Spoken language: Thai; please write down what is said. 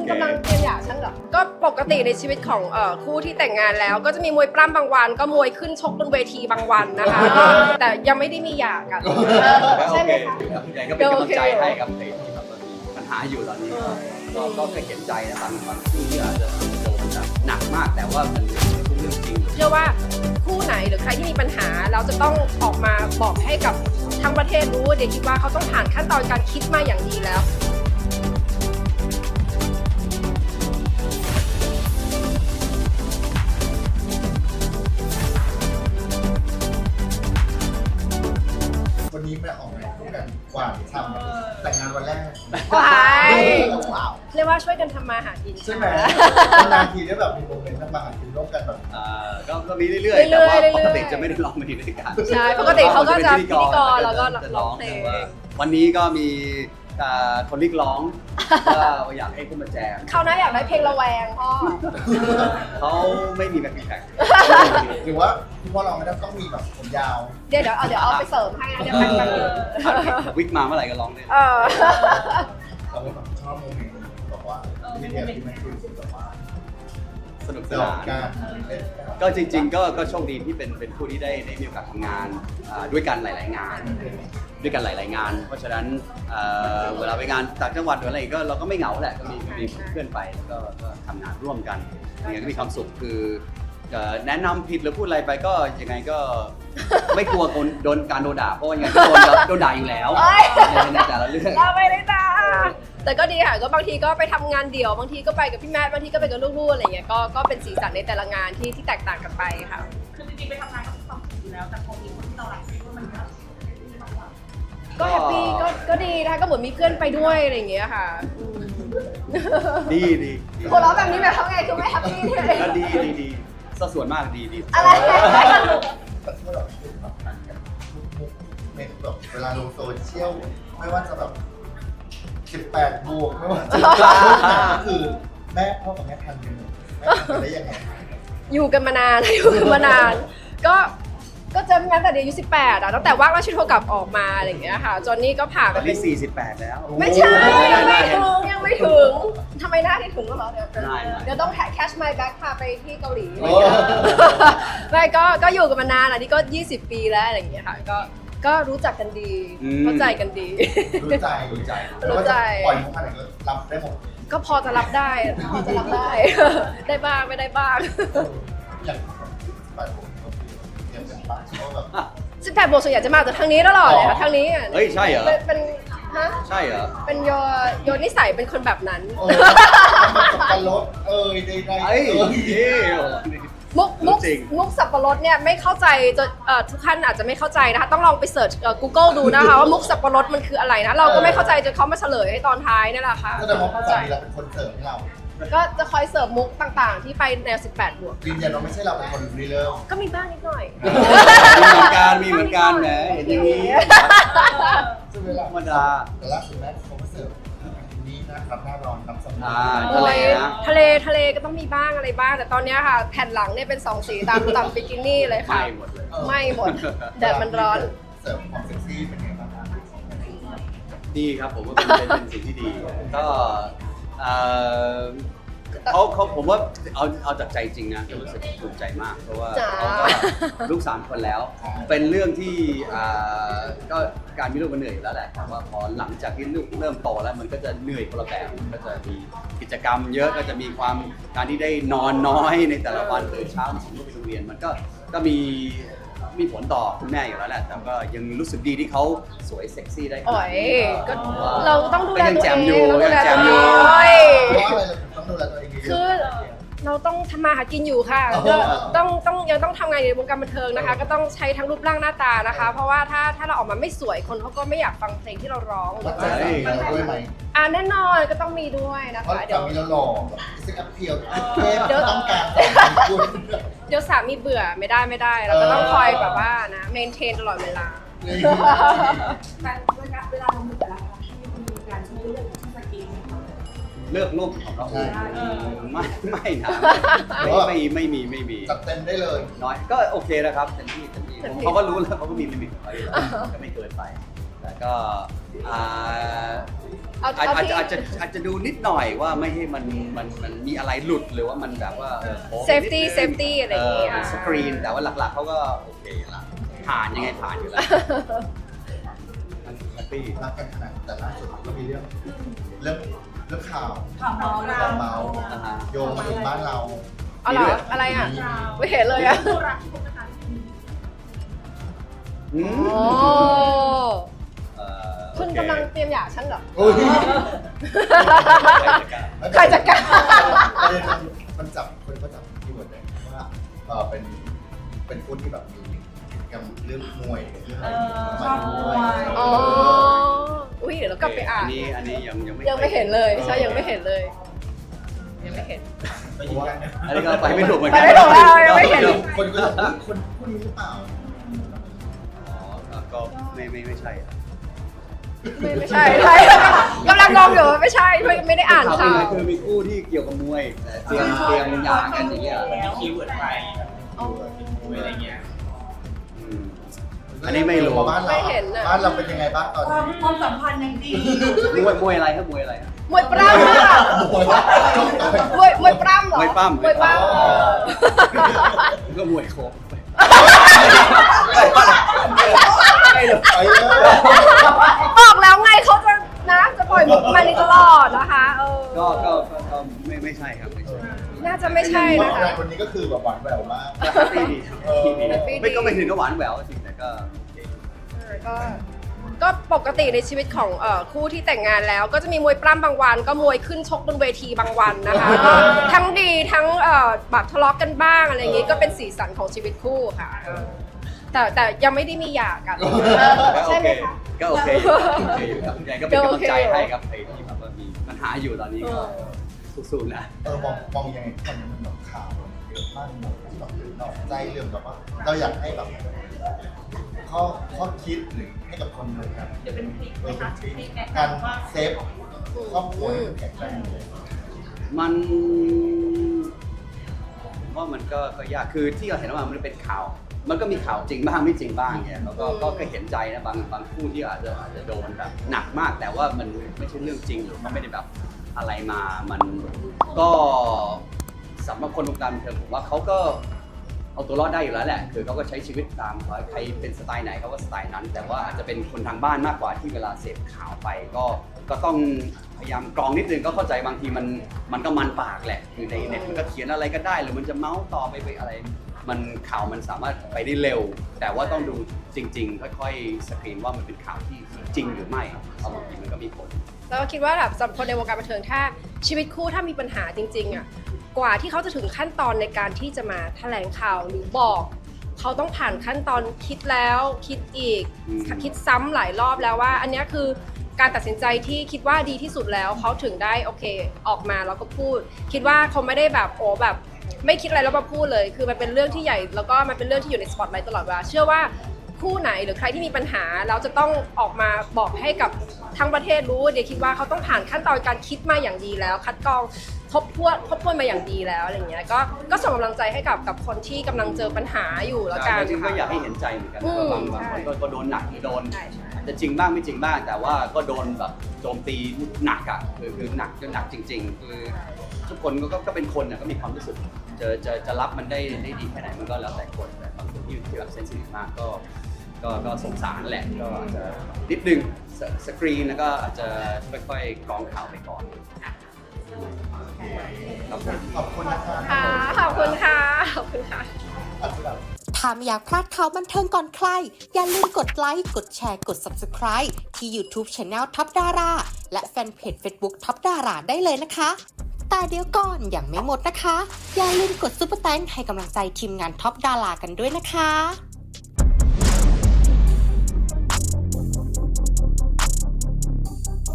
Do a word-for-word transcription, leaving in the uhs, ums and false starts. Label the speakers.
Speaker 1: กำลังเตรียมหย่าฉันเหรอก็ปกติในชีวิตของเอ่อคู่ที่แต่งงานแล้วก็จะมีมวยปล้ำบางวันก็มวยขึ้นชกบนเวทีบางวันนะคะแต่ยังไม่ได้มีหย่ากันใช่ไหมคะ
Speaker 2: ยังก็เป็นกำลังใจให้ครับในที่แบบมีปัญหาอยู่ตอนนี้ก็ก็เคยเห็นใจนะบางบางคู่ที่อาจจะโดนแบบหนักมากแต่ว่ามันไม่ใช่เรื่องจริง
Speaker 1: เชื่อว่าคู่ไหนหรือใครที่มีปัญหาเราจะต้องออกมาบอกให้กับทั้งประเทศรู้เดี๋ยวคิดว่าเขาต้องผ่านขั้นตอนการคิดมาอย่างดีแล้ว
Speaker 3: วันนี้ไปออกงานคู่กันกว่าทำแต่งงานวันแรก
Speaker 1: ว้ายเรียกว่าช่วยกันทำมาหากิน
Speaker 3: ใช่ไหมนานทีได้แบบมีโมเมนต์ทำมาหากินร่วมกันแบบ
Speaker 2: ก็มีเรื่อยๆแต่ว่าปกติจะไม่ได้ร้องเพลงด้วยกัน
Speaker 1: ใช่ปกติเขาก็จะพิธีกรแล้วก็ร้องเพลง
Speaker 2: วันนี้ก็มีคนเรียกร้องว่าอยากให้ขึ้นมาแจม
Speaker 1: เขาน่าอยากได้เพลงระแวงพ่อ
Speaker 2: เขาไม่มีแบ็คแพ็ค
Speaker 3: หรือว่าคุณพ่อเราไม่ต้องมีแบบผมยาว
Speaker 1: เดี๋ยวเดี๋ยวเอาเดี๋ยวเอาไปเสริมให้นะเดี๋ยวแป๊บนึง
Speaker 2: วิกมาเมื่อไหร่ก็ร้องได้
Speaker 3: เราก็แบบชอบโมเมนต์บอกว่าไม่ได้ที่ไม่คือแบบว่า
Speaker 2: สนุกสนานก็จริงๆก็ก็โชคดีที่เป็นเป็นผู้ที่ได้ได้มีโอกาสทำงานด้วยกันหลายๆงานด้วยกันหลายๆงานเพราะฉะนั้นเวลาไปงานต่างจังหวัดหรืออะไรก็เราก็ไม่เหงาแหละก็มีมีเพื่อนไปแล้วก็ทำงานร่วมกันอย่างนี้ก็มีความสุขคือแนะนำผิดหรือพูดอะไรไปก็ยังไงก็ไม่กลัวโดนการโดนด่าเพราะยังไงก็โดนโดนด่าอยู่แล้วในแต่ละเรื่อง
Speaker 1: เราไม่ได้ด่าแต่ก็ดีค่ะก็บางทีก็ไปทำงานเดี่ยวบางทีก็ไปกับพี่แม่บางทีก็ไปกับลูกๆอะไรเงี้ยก็ก็เป็นสีสันในแต่ละงานที่ที่แตกต่างกันไปค่ะ
Speaker 4: คือจริงๆไปทำงานก็มีความสุขอยู่แล้วแต่พอมีคนที่เรารักก็มันก็
Speaker 1: ก็แฮปปี้ก็ก็ดีนะคะก็เหมือนมีเพื่อนไปด้วยอะไรอย่างเงี้ยค่ะ
Speaker 2: ดีดี
Speaker 1: หัวเราะแบบนี้แบบทำไงคือไม่แฮปปี้เลย
Speaker 2: ก็ดีดีดีสัดส่วนมากดีดี
Speaker 1: อะไร
Speaker 3: แต่เมื่อเราพูดแบบนั้นกันมุกเมนแบบเวลาลงโซเชียลไม่ว่าจะแบบสิบแปดบวกไม่ว่าจะก็คือแม่พ่อกับแม่ทันกันแม่ทันได้ยังไง
Speaker 1: อยู่กันมานานอยู่กันมานานก็ก็เจอกันแต่เด็กอายุสิบแปดอ่ะตั้งแต่ว่างราชโทรกลับออกมาอะไรอย่างเงี้ยค่ะจนนี่ก็ผ่านไป
Speaker 2: เป็นสี่สิบแปดแล้ว
Speaker 1: ไม่ใช่ยังไม่ถึงยังไม่ถึงทำไมหน้าที่ถึงก็เหรอเดี๋ยวเดี๋ยวต้องแคชไมล์แบ็คพาไปที่เกาหลีไม่ก็ก็อยู่กันมานานอ่ะนี่ก็ยี่สิบปีแล้วอะไรอย่างเงี้ยค่ะก็ก็รู้จักกันดีเข้าใจกันดี
Speaker 3: รู้ใจรู้ใจ
Speaker 1: รู้ใจ
Speaker 3: ปล่อยมุกอะไรก็รับได้หมด
Speaker 1: ก็พอจะรับได้พอจะรับได้ได้บ้างไม่ได้บ้าง
Speaker 3: อย่างแบบยังเป็นบ้านเขาแบบ
Speaker 1: สิบแปดบวกส่วนใหญ่จะมาจากทางนี้ตลอดเลยค่ะทางนี้อ่ะ
Speaker 2: เฮ้ยใช่เหรอ
Speaker 1: เป็นฮะ
Speaker 2: ใช่เหรอ
Speaker 1: เป็นโยโยนิสัยเป็นคนแบบนั้น
Speaker 3: สับปะรดเอ้ยได้ได้
Speaker 1: มุกมุกมุกสับปะรดเนี่ยไม่เข้าใจจะทุกท่านอาจจะไม่เข้าใจนะคะต้องลองไปเสิร์ช Google ดูนะคะว่ามุกสับปะรดมันคืออะไรนะเราก็ไม่เข้าใจจนเขามาเฉลยให้ตอนท้ายนี่แหละค่ะ
Speaker 3: ก็จะมาเข้าใจเราเป็นคนเสิร์ฟให้เรา
Speaker 1: ก็จะคอยเสิร์ฟมุกต่างๆที่ไปแนวสิบแปดบวก
Speaker 3: ยืนยันว่าไม่ใช่เราเป็นคนรีเลิฟ
Speaker 1: ก็มีบ้างนิดหน่อย
Speaker 2: มีเหมือนกันมีเหมือนกันแหมเห็นอย่างนี้
Speaker 3: ซึ่งเวลา
Speaker 2: ธรรมดา
Speaker 3: แต่ล่าสุดแม่เขามาเสิร์ฟนี้นะครับหน้าร้อนน้ำสมุน
Speaker 2: ทะเล
Speaker 1: ทะเลทะเลก็ต้องมีบ้างอะไรบ้างแต่ตอนนี้ค่ะแผ่นหลังเนี่ยเป็นสองสีตามตามบิกินี่เลยค่ะ
Speaker 2: ไม่หมดเลย
Speaker 1: ไม่หมดแดดมันร้อน
Speaker 3: เสิร์ฟความเซ็กซี่เป็นไงบ้าง
Speaker 2: ดีครับผมว่าเป็นเป็นสิ่งที่ดีก็เขาเขาผมว่าเอาเอาจากใจจริงนะรู้สึกภูมิใจมากเพราะว่าเขาก็ลูกสามคนแล้วเป็นเรื่องที่ก็การมีลูกมันเหนื่อยอยู่แล้วแหละแต่ว่าพอหลังจากที่ลูกเริ่มโตแล้วมันก็จะเหนื่อยคนละแบบก็จะมีกิจกรรมเยอะก็จะมีความการที่ได้นอนน้อยในแต่ละวันตื่นเช้าส่งลูกไปโรงเรียนมันก็ก็มีมีผลต่อคุณแม่อยู่แล้วแหละแต่ก็ยังรู้สึกดีที่เขาสวยเซ็กซี่ได้
Speaker 1: อ๋อยก็เราต้องดูแลตัวเอง
Speaker 2: ต้องดูแลตัวเอง
Speaker 3: ต้องดูแลตัวเอง
Speaker 1: คือเราต้องทำมาหากินอยู่ค่ะก็ต้องต้องยังต้องทำงานในวงการบันเทิงนะคะก็ต้องใช้ทั้งรูปร่างหน้าตานะคะเพราะว่าถ้าถ้าเราออกมาไม่สวยคนเขาก็ไม่อยากฟังเพลงที่เราร้อง
Speaker 3: ใช่ด้วยไหม
Speaker 1: อ่าแน่นอนก็ต้องมีด้วยนะคะ
Speaker 3: เดี๋ยวมีเราหล่อแบบซิกอัพเพียวเดี๋ยวต้องการ
Speaker 1: เดี๋ยวสามีเบื่อไม่ได้ไม่ได้เราก็ต้องคอยแบบว่านะเมนเทนตลอดเวลา
Speaker 4: แต่เวลาเวลาเรามีแต่ละครั้งที่มีการช่วยเรื่องที่สกิน
Speaker 2: เลือกรูปของเราไม่ไม่นะไม่ไม่ไม่มีไม่มี
Speaker 3: จัดเต็มได้เลย
Speaker 2: น้อยก็โอเคนะครับเต็มที่เต็มที่เขาก็รู้แล้วเขาก็มีลิมิตของเขาก็ไม่เกินไปแต่ก็
Speaker 1: เอา
Speaker 2: อาจ
Speaker 1: เอา
Speaker 2: อาจ
Speaker 1: ที่
Speaker 2: จะอาจจะอาจจะดูนิดหน่อยว่าไม่ให้มันมันมันมีอะไรหลุดหรือว่ามันแบบว่าเออโค้ง
Speaker 1: Safety
Speaker 2: นิดนึง
Speaker 1: Safety อะไรอย่างเงี้ย
Speaker 2: เเป็นสกรีนแต่ว่าหลักๆเขาก็โอเคละผ่านยังไงผ่านอยู่แล้วแฮปปี้
Speaker 3: รักกันขนาดแต่ล่าสุดก็มีเรื่องเรื่องเรื่องข่าว
Speaker 4: ข่าวเมาเรา
Speaker 3: ข่าวเมา
Speaker 2: อ่าฮะ
Speaker 3: โยงมาถึงบ้านเรา
Speaker 1: เอาเหรออะไรอ่ะ ไม่เห็นเลยอ่ะ
Speaker 4: คู่รักที่พบกัน
Speaker 2: อืม
Speaker 1: โอ้
Speaker 2: เอ่อ
Speaker 1: คุณกำลังเตรียมหย่าฉันเหรอ
Speaker 3: โอ้ย
Speaker 1: ใครจะกล้า
Speaker 3: ประเด็นมันมันจับคนก็จับที่หมดเลยว่าเออเป็นเป็นคนที่แบบมีกิจกรรมเรื่องมวยเรื่องอะไรมาด้วย
Speaker 1: อ๋อ อุ้ยเดี๋ยวเรากลับไปอ่าน
Speaker 2: อันนี้อันนี้ยังยังไม่
Speaker 1: ยังไม่เห็นเลย ใช่ ยังไม่เห็นเลย ยังไม่เห็น
Speaker 3: ไปยิงกัน
Speaker 2: อันนี้ก็ไปไม่ถูกเหมือนกั
Speaker 1: ไปไม่ถูกแล้วยังไม่เห็น
Speaker 3: คนก็จะบอกคนคนนี้หรือเปล่า
Speaker 2: อ๋อก็ไม่ไม่ไม่ใช่อะ
Speaker 1: ไม่ไม่ใช่ใช่กำลังงงอยู่ว่าไม่ใช่ไม่ไม่ได้อ่านข่าว
Speaker 2: คือมีคู่ที่เกี่ยวกับมวยแต่เตรียมเตรียมหย่ากันอย่างเงี้ย
Speaker 5: มีคีย์เวิร์ดไป
Speaker 1: อ๋อ
Speaker 5: อะไรเงี้ย
Speaker 2: อืม อันนี้ไม่รู้
Speaker 3: บ้านเรา
Speaker 1: ไม่เห็นน่ะ
Speaker 3: บ้านเราเป็นยังไงบ้างตอน
Speaker 4: ความ
Speaker 3: นี้
Speaker 4: ความสัมพันธ์ยังดี
Speaker 2: มวยมวยอะไรครับมวยอะไรครับ
Speaker 1: มวยปล้ำอะ
Speaker 3: โอ้ยว่า
Speaker 1: มวยมวยปล้ำเหรอ
Speaker 2: มวยปล้ำ
Speaker 1: มวยปล้
Speaker 3: อ๋อ
Speaker 2: ก็มวยโคก
Speaker 3: ไปเลย
Speaker 1: ำบอกแล้วไงเขาจะนะจะปล่อยมุกมานี้ตลอดนะคะเออ
Speaker 2: ก็ก็ก็ก็ไม่ไม่ใช่ครับไม่ใช่
Speaker 1: น่าจะไม่ใช่
Speaker 3: เพราะ
Speaker 1: นะคะ
Speaker 3: งานวันนี้ก็คือแบบหวานแหววมาก
Speaker 2: ก็แฮปปี้ดีครับแฮปปี้ดี
Speaker 1: แฮปปี้ดี
Speaker 2: ไม่ก็ไม่ถึงกับหวานแหววจริงแต่ก็โอเค
Speaker 1: ก็ก็ปกติในชีวิตของเอ่อคู่ที่แต่งงานแล้ว ก็จะมีมวยปล้ำบางวัน ก็มวยขึ้นชกบนเวทีบางวันนะคะก็ทั้งดีทั้งเอ่อแบบทะเลาะกันบ้างอะไรอย่างงี้ก็เป็นสีสันของชีวิตคู่ค่ะเออแต่แต่ยังไม่ได้มีหย่ากัน
Speaker 2: ก็โอ
Speaker 1: ใช่
Speaker 2: เค
Speaker 1: ไหมคะ
Speaker 2: ก็โอเคอยู่ครับโอเคอยู่ครับยังไงก็เป็นกำลังใจให้ครับใครที่แบบว่ามีปัญหาอยู่ตอนนี้ก็สู้ๆนะ
Speaker 3: เออมองมองยังไงตอนนี้มันแบบข่าวเยอะมากหมดที่แบบนอกใจเรื่องแบบว่าเราอยากให้แบบข้อข้อคิดหรือให้กับคนเลยครับ
Speaker 4: เดี๋ยวเป็นคลิป
Speaker 3: เอ
Speaker 4: ไหม
Speaker 3: อเป็
Speaker 4: คะ
Speaker 3: นทริค
Speaker 4: คลิปแนะ
Speaker 3: การ
Speaker 4: นำว่า
Speaker 3: เซฟครอบครัวให้มันแข็งแรงเลย
Speaker 2: มันผมว่ามันก็ก็ยากคือที่เราเห็นว่ามันเป็นข่าว มันก็มีข่าวจริงบ้างไม่จริงบ้างเนี่ยแล้วก็ก็ก็เห็นใจนะบางบางคู่ที่อาจจะอาจจะโดนแบบหนักมาก แต่ว่ามันไม่ใช่เรื่องจริงหรือเขาไม่ได้แบบอะไรมามันก็สำหรับคนวงการบันเทิงผมว่าเขาก็เอาตัวรอดได้อยู่แล้วแหละคือเขาก็ใช้ชีวิตตามใครเป็นสไตล์ไหนเขาก็สไตล์นั้น แต่ว่าอาจจะเป็นคนทางบ้านมากกว่าที่เวลาเสพข่าวไปก็ก็ต้องพยายามกรองนิดนึงก็เข้าใจบางทีมันมันก็มันปากแหละคือในเน็ตมันก็เขียนอะไรก็ได้หรือมันจะเมาส์ต่อไปไปอะไร มันข่าวมันสามารถไปได้เร็ว แต่ว่าต้องดูจริง ๆ ค่อยๆสกรีนว่ามันเป็นข่าวที่จริงหรือไม่เพราะบางทีมันก็มีผล
Speaker 1: แล้วก็คิดว่าแบบสำหรับคนในวงการบันเทิงถ้าชีวิตคู่ถ้ามีปัญหาจริงๆอ่ะกว่าที่เขาจะถึงขั้นตอนในการที่จะมาแถลงข่าวหรือบอก เขาต้องผ่านขั้นตอนคิดแล้วคิดอีก
Speaker 2: อืม
Speaker 1: คิดซ้ำหลายรอบแล้วว่า อันเนี้ยคือการตัดสินใจที่คิดว่าดีที่สุดแล้วเขาถึงได้โอเคออกมาแล้วก็พูด คิดว่าเขาไม่ได้แบบโอ้แบบไม่คิดอะไรแล้วมาพูดเลย คือมันเป็นเรื่องที่ใหญ่แล้วก็มันเป็นเรื่องที่อยู่ในสปอตไลท์ตลอดเวลาเชื่อว่าคู่ไหนหรือใครที่มีปัญหาแล้วจะต้องออกมาบอกให้กับทั้งประเทศรู้เดี๋ยวคิดว่าเขาต้องผ่านขั้นตอนการคิดมาอย่างดีแล้ว คัดกรองทบทวนทบทวนมาอย่างดีแล้วอะไรเงี้ยก็ก็ส่งกำลังใจให้กับกับคนที่กำลังเจอปัญหาอยู่แล้วกัน
Speaker 2: จริงๆก็
Speaker 1: ค่ะ
Speaker 2: อยากให้เห็นใจเหมือนกัน
Speaker 1: อืม
Speaker 2: บางบางคนก็ก็โดนหนักหรือโดน
Speaker 1: ใช่ใช่
Speaker 2: อาจจะจริงบ้างไม่จริงบ้าง แต่ว่าก็โดนแบบโจมตีหนักอ่ะคือคือหนักจนหนักจริง ๆ คือทุกคนก็ก็ก็เป็นคนน่ะก็มีความรู้สึกจะจะจะรับมันได้ได้ดีแค่ไหนมันก็แล้วแต่คนแต่บางคนที่ที่แบบเซนซิทีฟมากก็ก็ก็สงสารแหละก็อาจจะนิดนึงสสกรีนแล้วก็อาจจะค่อยๆกรองข่าวไปก่อนครับผม
Speaker 3: ขอบคุณนะคะ
Speaker 1: ค่ะขอบคุณค่ะขอบคุณค่ะ
Speaker 3: อาจจะแบบ
Speaker 6: ถ้าไม่อยากพลาดข่าวบันเทิงก่อนใคร อย่าลืมกดไลค์ กดแชร์ กด Subscribe ที่ YouTube Channel ท็อปดาราและแฟนเพจ Facebook ท็อปดาราได้เลยนะคะ แต่เดี๋ยวก่อนอย่างไม่หมดนะคะ อย่าลืมกดซุปเปอร์แตงให้กำลังใจทีมงานท็อปดารากันด้วยนะคะ